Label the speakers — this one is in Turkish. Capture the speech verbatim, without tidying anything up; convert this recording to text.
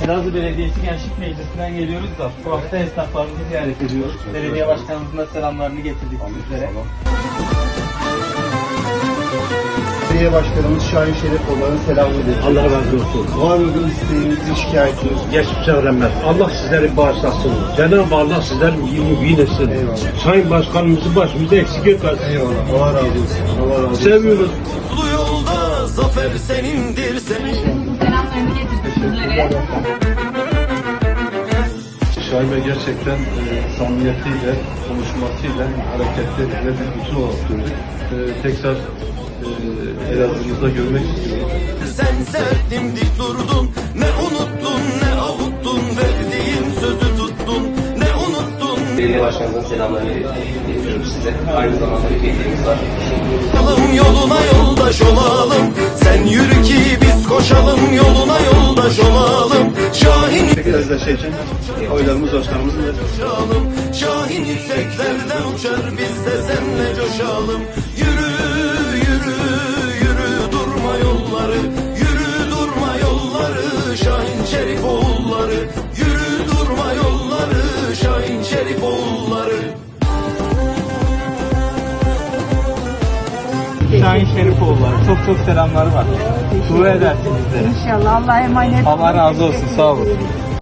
Speaker 1: Elazığ Belediyesi Gençlik Meclisi'nden geliyoruz da bu hafta esnaflarımızı ziyaret ediyoruz. Belediye başkanımızın da selamlarını getirdik sizlere.
Speaker 2: Belediye Başkanımız Şahin Şerifoğlu'nun selamını iletiyoruz.
Speaker 3: Allah razı olsun.
Speaker 2: Var mı bir isteğiniz, bir şikayetiniz?
Speaker 3: Geçmiş öğrenmez. Allah sizleri bağışlasın. Cenab-ı Allah sizlerin iyiliğini eylesin.
Speaker 2: Eyvallah.
Speaker 3: Sayın Başkanımızı başımıza eksik etmesin.
Speaker 2: Eyvallah. Allah razı olsun. Allah razı olsun.
Speaker 3: Seviyoruz.
Speaker 4: Bu yolda zafer senindir senin.
Speaker 5: Selamlarını getirdik sizlere.
Speaker 6: Şahin Bey gerçekten e, samimiyetiyle, konuşmasıyla hareketli ve bir bütün olarak gördük. E, tekrar e, Elazığ'ımızda görmek istiyoruz.
Speaker 4: Sen serdim dik durdun, ne unuttun ne avuttun, verdiğin sözü tuttun, ne unuttun.
Speaker 7: Belediye başkanımızın selamlarını iletiyorum size. Aynı zamanda bir hediyemiz var.
Speaker 4: Yoluna yoldaş olalım, sen yürü ki biz koşalım, yoluna yoldaş olalım. Şahin
Speaker 6: Tekrar şey için oylarımız başkanımızın da
Speaker 4: coşalım, Şahin yükseklerden uçar, biz de seninle coşalım. Yürü yürü yürü durma yolları, yürü durma yolları, Şahin Şerifoğulları. Yürü durma yolları, Şahin Şerifoğulları.
Speaker 1: Şahin Şerifoğulları çok çok selamları var. Dua edersiniz bizlere.
Speaker 5: İnşallah Allah'a emanet.
Speaker 1: Allah razı olsun, sağ olun.